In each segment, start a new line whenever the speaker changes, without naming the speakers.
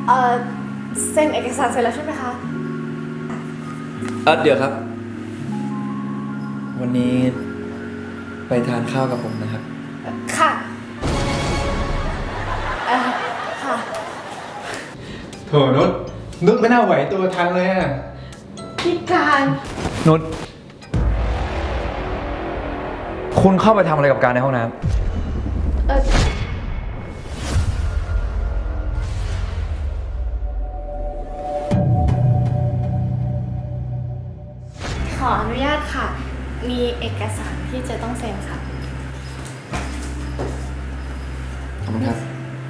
เอ่อเซ็นเอกสารเสร็จแล้วใช่ไหมคะ
เดี๋ยวครับ วันนี้ไปทานข้าวกับผมนะครับ
ค่ะค่ะ
โถนุชไม่น่าไหวตัวทันเลยอะ
พี่การ
นุชคุณเข้าไปทำอะไรกับการในห้องน้ำ
ขออนุญาตค่ะ มีเอกสารที่จะต้องเซ็นค่ะ
ขอบคุณครับ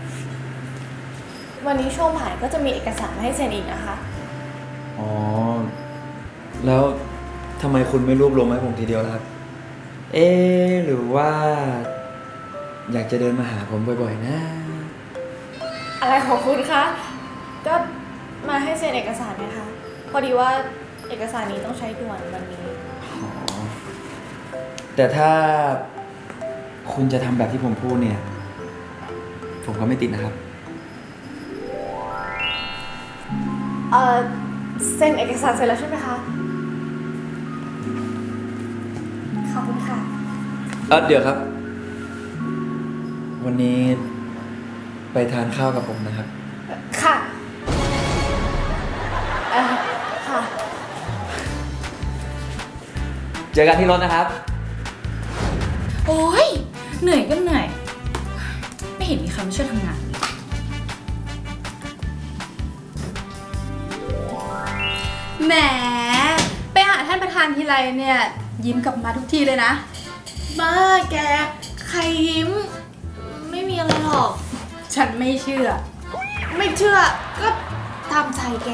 วันนี้ช่วงบ่ายก็จะมีเอกสารให้เซ็นอีกนะคะ
อ๋อ แล้วทำไมคุณไม่รวบรวมให้ผมทีเดียวล่ะครับ หรือว่า อยากจะเดินมาหาผมบ่อยๆนะ
อะไรของคุณคะ ก็มาให้เซ็นเอกสารนะคะ พอดีว่าเอกสารนี้ต้องใช้ด่วนวันนี้
อ๋อ แต่ถ้าคุณจะทำแบบที่ผมพูดเนี่ย ผมก็ไม่ติดนะครับ
เซ็นเอกสารเสร็จแล้วใช่ไหมคะ ขอบคุณค่ะ
เดี๋ยวครับ วันนี้ไปทานข้าวกับผมนะครับ
ค่ะค่ะ
เจอกันที่รถนะครับ
โอ้ยเหนื่อยก็เหนื่อย ไม่เห็นมีใครมาช่วยทำงาน แหม ไปหาท่านประธานทีไรเนี่ย ยิ้มกลับมาทุกทีเลยนะ
บ้าแก ใครยิ้ม ไม่มีอะไรหรอก
ฉันไม่เชื่อ
ไม่เชื่อ ก็ตามใจแก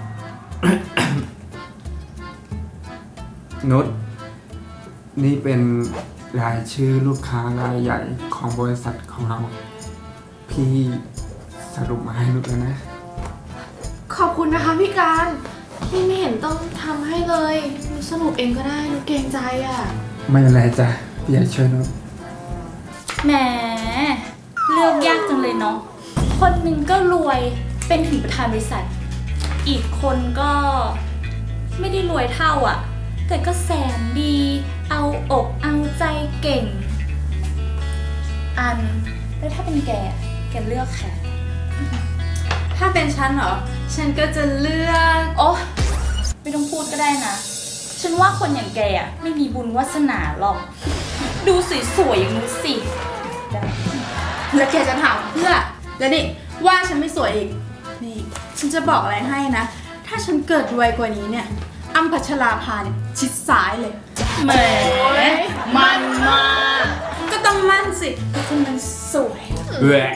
นุชนี่เป็นรายชื่อลูกค้ารายใหญ่ของบริษัทของเรา พี่สรุปมาให้นุชแล้วนะ
ขอบคุณนะคะพี่การพี่ไม่เห็นต้องทำให้เลยหนูสรุปเองก็ได้หนูเกรงใจอ่ะ
ไม่เป็นไรจ้ะพี่อยากช่วยนุช
แหม เลือกยากจังเลยเนาะ คนหนึ่งก็รวยเป็นถึงประธานบริษัท อีกคนก็ไม่ได้รวยเท่าอ่ะ แต่ก็แสนดี เอาอกเอาใจเก่ง อัน แล้วถ้าเป็นแกเลือกใคร ถ้าเป็นฉันเหรอ ฉันก็จะเลือก โอ้ไม่ต้องพูดก็ได้นะ ฉันว่าคนอย่างแกอ่ะไม่มีบุญวาสนาหรอก ดูสวยๆอย่างนู้นสิ
แล้วแกจะถามเพื่อ แล้วนี่ว่าฉันไม่สวยอีก นี่ ฉันจะบอกอะไรให้นะ ถ้าฉันเกิดรวยกว่านี้เนี่ยอ้ำพัชราภาเนี่ยชิดซ้ายเลย
แหมมันมาก
ก็ต้องมั่นสิเพราะคนมันสวย
แหวะ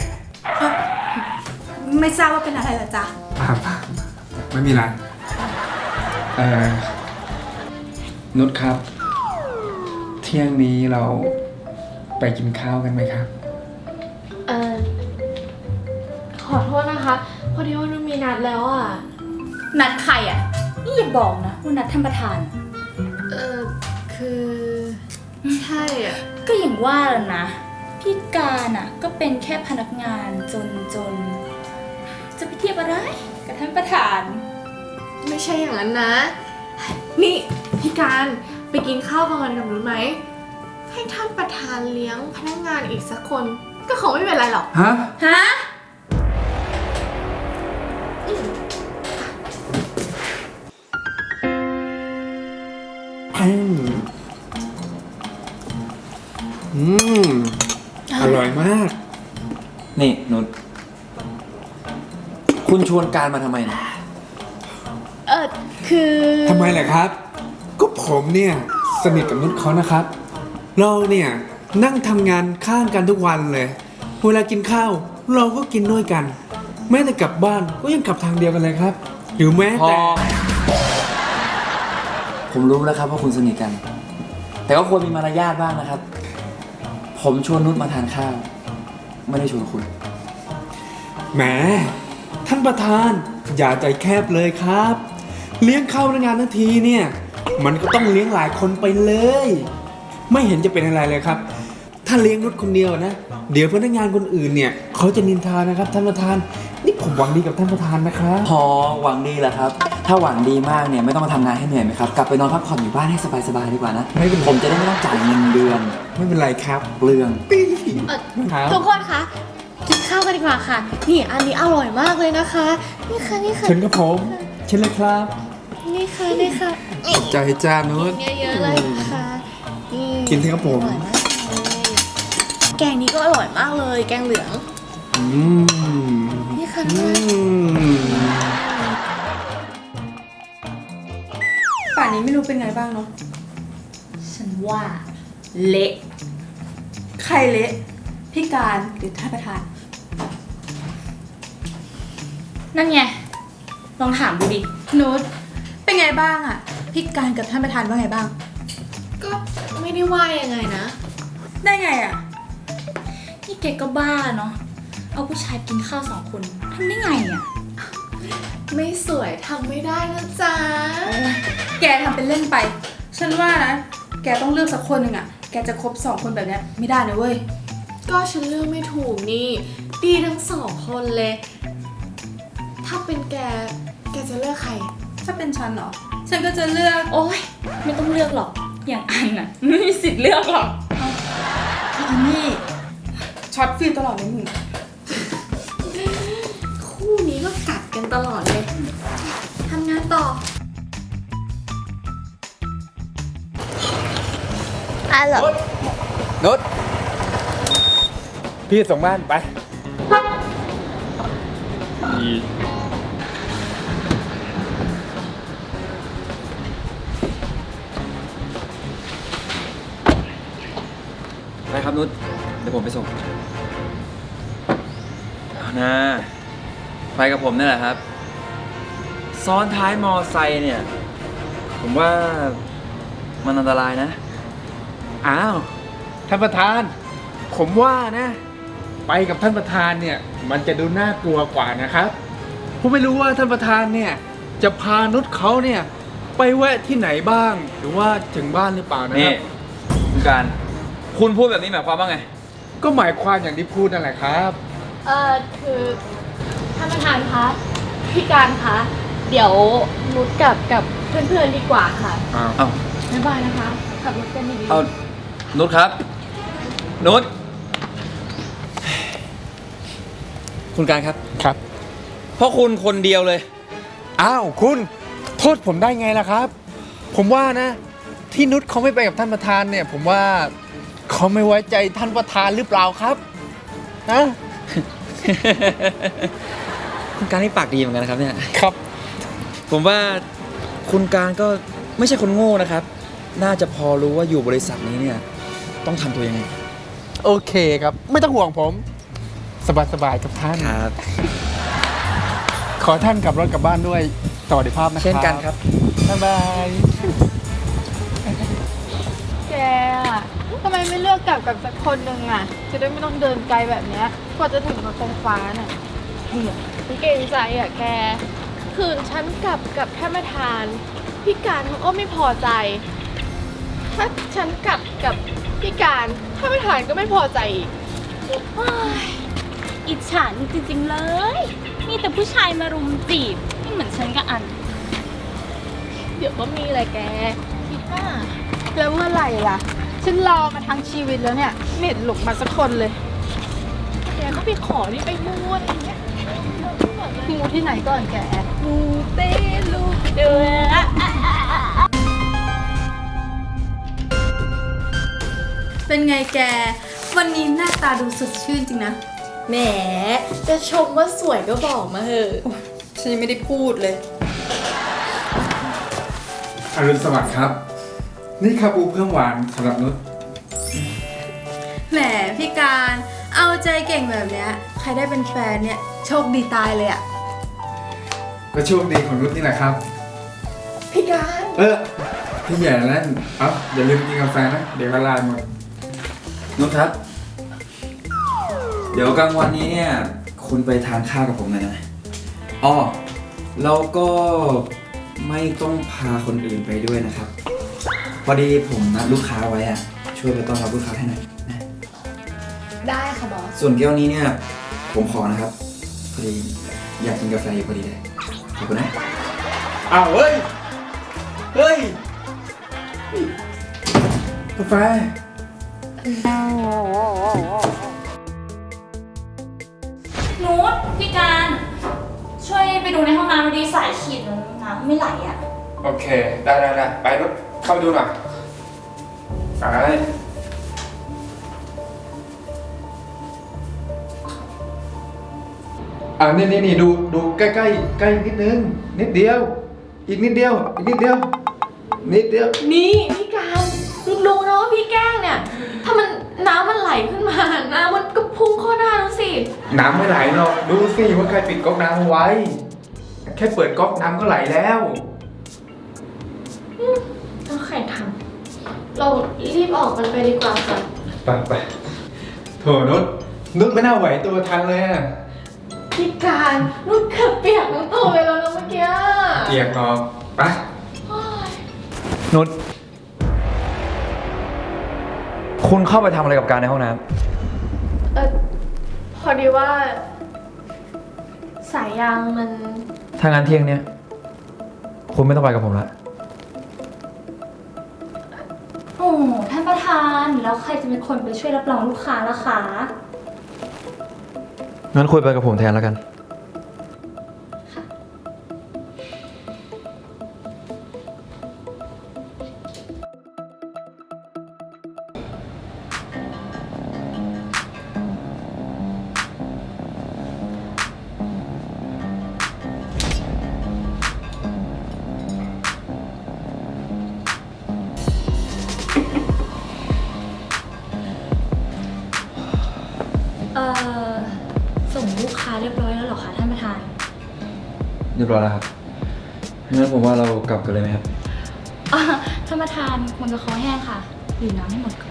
ไม่ทราบว่าเป็นอะไรล่ะจ๊ะ
ป่าไม่มีไรนุชครับ เที่ยงนี้เราไปกินข้าวกันไหมครับ
ขอโทษนะคะ พอดีว่าหนูมีนัดแล้วอ่ะ
นัดใครอ่ะ นี่อย่าบอกนะว่านัดท่านประธาน
คือใช่อ่ะ
ก็อย่างว่าแหละนะ พี่การอ่ะ ก็เป็นแค่พนักงานจนจะไปเทียบอะไรกับท่านประธาน
ไม่ใช่อย่างนั้นนะ นี่พี่การไปกินข้าวกลางวันกับหนูไหม ให้ท่านประธานเลี้ยงพนักงานอีกสักคน ก็คงไม่เป็นไรหรอก
ฮะ
ฮะ
อร่อยมาก
นี่นุชคุณชวนการมาทำไมนะ
คือ
ทำไมล่ะครับ ก็ผมเนี่ยสนิทกับนุชเขานะครับ เราเนี่ยนั่งทำงานข้างกันทุกวันเลย เวลากินข้าวเราก็กินด้วยกัน แม้แต่กลับบ้านก็ยังกลับทางเดียวกันเลยครับ หรือแม้
พอ
แต่
ผมรู้แล้วครับว่าคุณสนิทกัน แต่ก็ควรมีมารยาทบ้างนะครับ ผมชวนนุชมาทานข้าว ไม่ได้ชวนคุณ
แหมท่านประธานอย่าใจแคบเลยครับ เลี้ยงข้าวพนักงานทั้งทีเนี่ย มันก็ต้องเลี้ยงหลายคนไปเลย ไม่เห็นจะเป็นอะไรเลยครับ ถ้าเลี้ยงนุชคนเดียวนะ เดี๋ยวพนักงานคนอื่นเนี่ยเขาจะนินทานะครับท่านประธานนี่ผมหวังดีกับท่านประธานนะครับ
พอหวังดีแหละครับ ถ้าหวังดีมากเนี่ยไม่ต้องมาทำงานให้เหนื่อยไหมครับ กลับไปนอนพักผ่อนอยู่บ้านให้สบายๆดีกว่านะ
ไม่เป็นไร
ผมจะได้ไม่ต้องจ่ายเงินเดือน
ไม่เป็นไรครับ
เปลือง
ครับ
ทุกคนคะกินข้าวกันดีกว่าค่ะ นี่อันนี้อร่อยมากเลยนะคะ นี่ค่ะนี่ค่ะ
เชิญครับผมเชิญเลยครับ
นี่ค่ะนี่ค่ะนี่
ใจจ้านุช
เยอะๆเลยนะคะนี่
กินเถอะครับผม
อร่อยมากเลยแกงนี้ก็อร่อยมากเลย แกงเหลือง
อืม
นี่ค่ะ
อืม
ป่านนี้ไม่รู้เป็นไงบ้างเนาะ
ฉันว่าเละ
ใครเละพี่การหรือท่านประธาน
นั่นไง ลองถามดูดิ
นุชเป็นไงบ้างอะพี่การกับท่านประธานว่าไงบ้าง
ก็ไม่ได้ว่ายังไงนะ
ได้ไงอะ
นี่แกก็บ้าเนาะ เอาผู้ชายกินข้าว2 คนทำได้ไงอ่ะ
ไม่สวยทำไม่ได้นะจ๊ะ
แกทำเป็นเล่นไป ฉันว่านะ แกต้องเลือกสักคนหนึ่งอะแกจะคบ2 คนแบบเนี้ยไม่ได้นะเว้ย
ก็ฉันเลือกไม่ถูกนี่ ดีทั้ง2 คนเลย ถ้าเป็นแกจะเลือกใคร
ถ้าเป็นฉันเหรอ ฉันก็จะเลือก
โอ๊ย ไม่ต้องเลือกหรอก อย่างอันน่ะ ไม่มีสิทธิ์เลือกหรอก
อีนี่ช็อตฟิลตลอดเลยมึง
คู่นี้ก็กัดกันตลอดเลย ทำงานต่ออะไรเหรอ
นุชพี่ส่งบ้านไป
ไปครับนุชเดี๋ยวผมไปส่งเอานะไปกับผมนี่แหละครับ ซ้อนท้ายมอไซค์เนี่ย ผมว่ามันอันตรายนะ
อ้าวท่านประธาน ผมว่านะ ไปกับท่านประธานเนี่ย มันจะดูน่ากลัวกว่านะครับผมไม่รู้ว่าท่านประธานเนี่ย จะพานุชเขาเนี่ย ไปแวะที่ไหนบ้าง หรือว่าถึงบ้านหรือเปล่านะค
นี่
รับ
คุณการ คุณพูดแบบนี้หมายความว่าไง
ก็หมายความอย่างที่พูดนั่นแหละครับ
คือท่านประธานคะพี่การคะเดี๋ยวนุชกับเพื่อนๆดีกว่าค่ะ
เอา
บ๊ายบายนะคะขับรถกันดีๆ
เอานุชครับ นุชคุณการครับ
ครับ
เพราะคุณคนเดียวเลย
อ้าวคุณโทษผมได้ไงล่ะครับ ผมว่านะ ที่นุชเขาไม่ไปกับท่านประธานเนี่ย ผมว่าเขาไม่ไว้ใจท่านประธานหรือเปล่าครับนะ
คุณการนี่ปากดีเหมือนกันนะครับเนี่ย
ครับ
ผมว่าคุณการก็ไม่ใช่คนโง่นะครับ น่าจะพอรู้ว่าอยู่บริษัทนี้เนี่ย ต้องทำตัวยังไง
โอเคครับ ไม่ต้องห่วงผม สบายๆกับท่าน
ครับ
ขอท่านขับรถกลับบ้านด้วยสวัสดิภาพนะครับ
เช่นกันครับ
บ๊ายบาย
แกอะทำไมไม่เลือกกลับกับสักคนหนึ่งอะจะได้ไม่ต้องเดินไกลแบบเนี้ยกว่าจะถึงรถไฟฟ้าน่ะเหี้ย
เก่งใจอ่ะแก คืนฉันกับท่านประธาน พี่การเขาก็ไม่พอใจ ถ้าฉันกับพี่การท่านประธานก็ไม่พอใจอีก
โอ๊ยอิจฉาจริงๆเลย มีแต่ผู้ชายมารุมจีบไม่เหมือนฉันกับอัน
เดี๋ยวก็มีแหละแกคิดว่า
แล้วเมื่อไหร่ล่ะ ฉันรอมาทั้งชีวิตแล้วเนี่ยไม่เห็นหลกมาสักคนเลย
แกก็ไปขอที่ไปมูดอย่างเงี้ย
มูที่ไหนก่อนแก
มูเตลู
เดือ
เป็นไงแก วันนี้หน้าตาดูสดชื่นจริงนะ
แหมจะชมว่าสวยก็บอกมาเถอะ
ฉันยังไม่ได้พูดเลย
อรุณสวัสดิ์ครับ นี่ครับอูเพิ่มหวานสำหรับนุช
แหมพี่การเอาใจเก่งแบบเนี้ยใครได้เป็นแฟนเนี่ยโชคดีตายเลยอะ
ก็โชคดีของนุชนี่แหละครับ
พี่การ
พี่ใหญ่นั่นอย่าลืมกินกาแฟนะ เดี๋ยวละลายหมด
นุชครับ เดี๋ยวกลางวันนี้เนี่ย คุณไปทานข้าวกับผมหน่อยนะอ๋อแล้วก็ไม่ต้องพาคนอื่นไปด้วยนะครับ พอดีผมนัดลูกค้าไว้อะช่วยไปต้อนรับลูกค้าให้หน่อยนะ
ได้ค่ะบอส
ส่วนแก้วนี้เนี่ย ผมขอนะครับ พอดีอยากกินกาแฟอยู่พอดีเลยขอบคุณนะอ้าวเฮ้ย เฮ้ย กาแฟ
นุชพี่การช่วยไปดูในห้องน้ำดีสายขีดน้ำไม่ไหลอ่ะ
โอเค ได้ไปรถเข้าไปดูหน่อยไปนี่ดูใกล้นิดนึง นิดเดียว อีกนิดเดียว นิดเดียว
นี่พี่การรู้นะว่าพี่แกล้งเนี่ย ถ้ามันน้ำมันไหลขึ้นมาน้ำมันก็พุ่งเข้าหน้าแล้วสิ
น้ำไม่ไหลหรอก ดูสิว่าใครปิดก๊อกน้ำเอาไว้ แค่เปิดก๊อกน้ำก็ไหลแล้ว
ต้องใครทำเรารีบออกกันไปดีกว่าค่ะ
ไปโถนุชไม่น่าไหวตัวทันเลยอะ
พี่การนุ่นเกือบเปียกทั้งตัวเลยแล้วนะเมื่อกี้
เกียกงอกไป
โอ๊ย
นุชคุณเข้าไปทำอะไรกับการในห้องน้
พอดีว่า สายยางมัน
ำถ้างั้นเที่ยงเนี้ยคุณไม่ต้องไปกับผมละ
โอ้ท่านประธานแล้วใครจะเป็นคนไปช่วยรับรองลูกค้าล่ะคะ
งั้นคุยไปกับผมแทนแล้วกัน
ส่งลูกค้าเรียบร้อยแล้วเหรอคะท่านประธาน
เรียบร้อยแล้วครับงั้นผมว่าเรากลับกันเลยไหมครับ
ท่านประธานคงจะคอแห้งค่ะดื่มน้ำให้หมดก่อน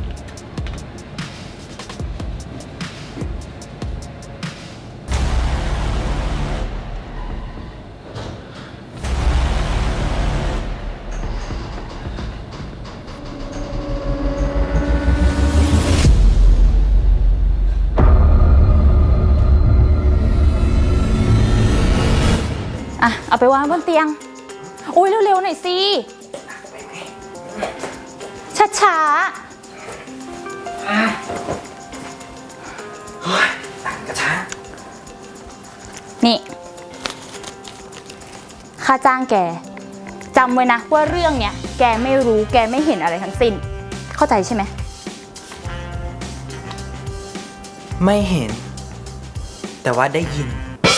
อ่ะ เอาไปวางบนเตียง อุ้ยเร็วๆหน่อยสิ ช้า ๆ นี่ ค่าจ้างแก จำไว้นะว่าเรื่องเนี้ย แกไม่รู้แกไม่เห็นอะไรทั้งสิ้น เข้าใจใช่ไหม
ไม่เห็น แต่ว่าได้ยิน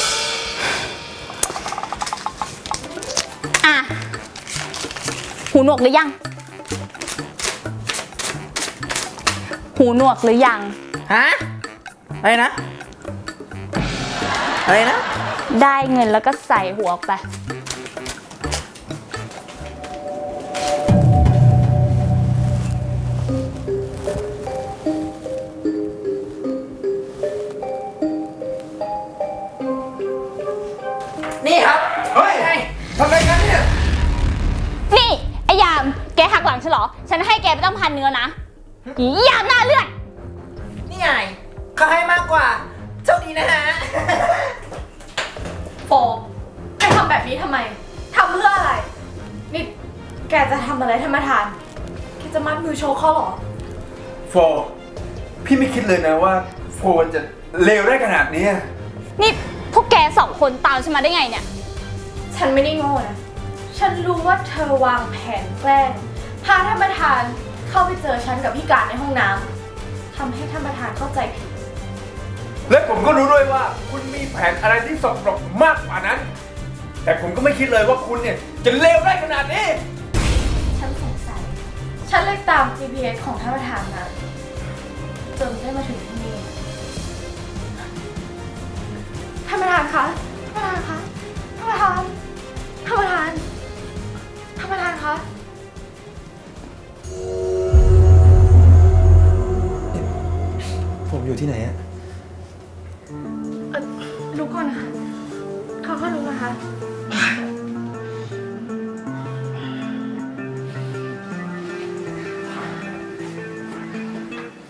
อ่ะ หูหนวกหรือยัง หูหนวกหรือยัง
ฮะ อะไรนะ อะไรนะ
ได้เงินแล้วก็ใส่หัวออกไป
นี่ครับ
เฮ้ยทำอะไรกันเนี่ย
นี่ ไอ้ยาม แกหักหลังฉันเหรอ ฉันให้แกไปตั้ง1,000 เนื้อนะอียามหน้าเลือด
นี่ไงเขาให้มากกว่า เจ้าดีนะฮะ
โฟแกทำแบบนี้ทำไม ทำเพื่ออะไร นี่แกจะทำอะไรท่านประธาน แกจะมัดมือโชว์เขาเหรอ
โฟ พี่ไม่คิดเลยนะว่าโฟจะเลวได้ขนาดนี้
นี่พวกแก2 คนตามฉันมาได้ไงเนี่ย
ฉันไม่ได้โง่นะ ฉันรู้ว่าเธอวางแผนแกล้งพาท่านประธานเข้าไปเจอฉันกับพี่การในห้องน้ำทำให้ท่านประธานเข้าใจผิด
และผมก็รู้ด้วยว่าคุณมีแผนอะไรที่สกปรกมากกว่านั้น แต่ผมก็ไม่คิดเลยว่าคุณเนี่ยจะเลวได้ขนาดนี้
ฉันสงสัย ฉันเลยตาม GPS ของท่านประธานมาจนได้มาถึงที่นี่ ท่านประธานคะ ท่านประธานคะ ท่านประธาน ท่านประธาน ท่านประธานคะ
ผมอยู่ที่ไหนอะ
ลุกก่อนนะคะเขาก็ลุกนะคะ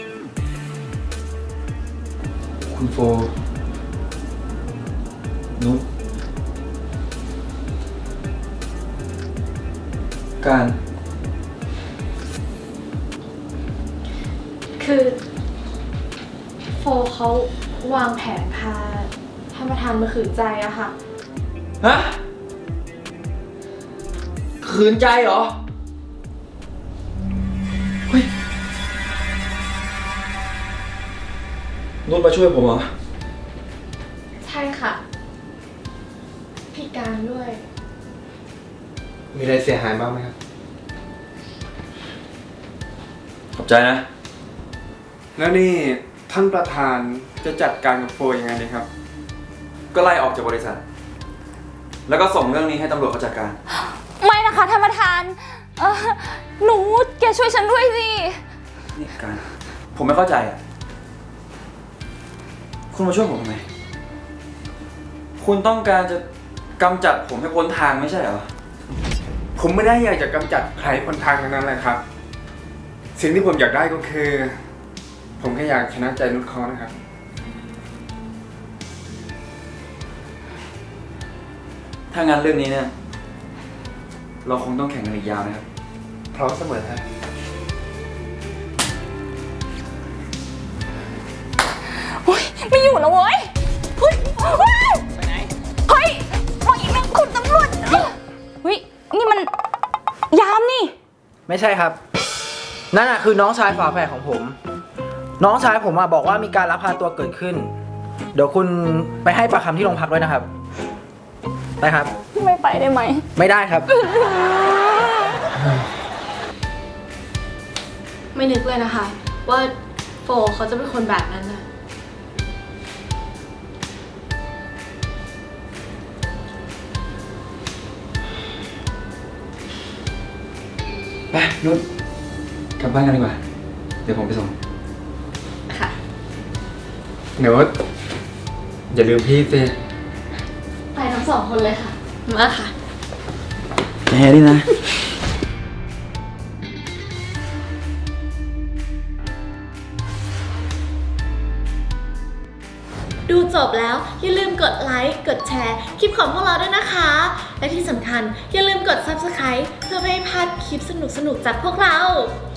คุณโฟ นุชการ
คือโฟเขาวางแผนพาท่านประธานมาขืนใจอะค่ะ
ฮะ ขืนใจเหรอ เฮ้ย นุชมาช่วยผมเหรอ
ใช่ค่ะ พี่การด้วย
มีอะไรเสียหายบ้างไหมครับ
ขอบใจนะ
แล้วนี่ท่านประธานจะจัดการกับโฟยังไงดีครับ
ก็ไล่ออกจากบริษัท แล้วก็ส่งเรื่องนี้ให้ตำรวจเขาจัดการ
ไม่นะคะท่านประธานหนูแกช่วยฉันด้วยสิ
นี่การ ผมไม่เข้าใจอ่ะ คุณมาช่วยผมทำไม คุณต้องการจะกำจัดผมให้พ้นทางไม่ใช่เหรอ
ผมไม่ได้อยากจะกำจัดใครคนทางนั้นเลยครับ สิ่งที่ผมอยากได้ก็คือ ผมแค่อยากชนะใจนุชเขานะครับ
ถ้างั้นเรื่องนี้เนี่ย เราคงต้องแข่งกันอีกยาวนะครับ
พร้อมเสมอครับ
เฮ้ยไม่อยู่แล้วเว้ยเฮ้ยเฮ้ยไปไหนเฮ้ยปล่อยนะคุณตำรวจเฮ้ยนี่มันยามนี่
ไม่ใช่ครับ นั่นน่ะคือน้องชายฝาแฝดของผม น้องชายผมบอกว่ามีการลักพาตัวเกิดขึ้น เดี๋ยวคุณไปให้ปากคำที่โรงพักด้วยนะครับ ไปครับ
ไม่ไปได้ไหม
ไม่ได้ครับ
ไม่นึกเลยนะคะ ว่าโฟเขาจะเป็นคนแบบนั้นนะ
ไปนุชกลับบ้านกันดีกว่า เดี๋ยวผมไปส่ง
ค่ะ
นุชอย่าลืมพี่สิ
ไปทั้งสองคนเลยค่ะ มาค่ะ
แกนี่นะ
ดูจบแล้วอย่าลืมกดไลค์ กดแชร์คลิปของพวกเราด้วยนะคะ และที่สำคัญอย่าลืมกด Subscribe เพื่อไม่ให้พลาดคลิปสนุกๆจากพวกเรา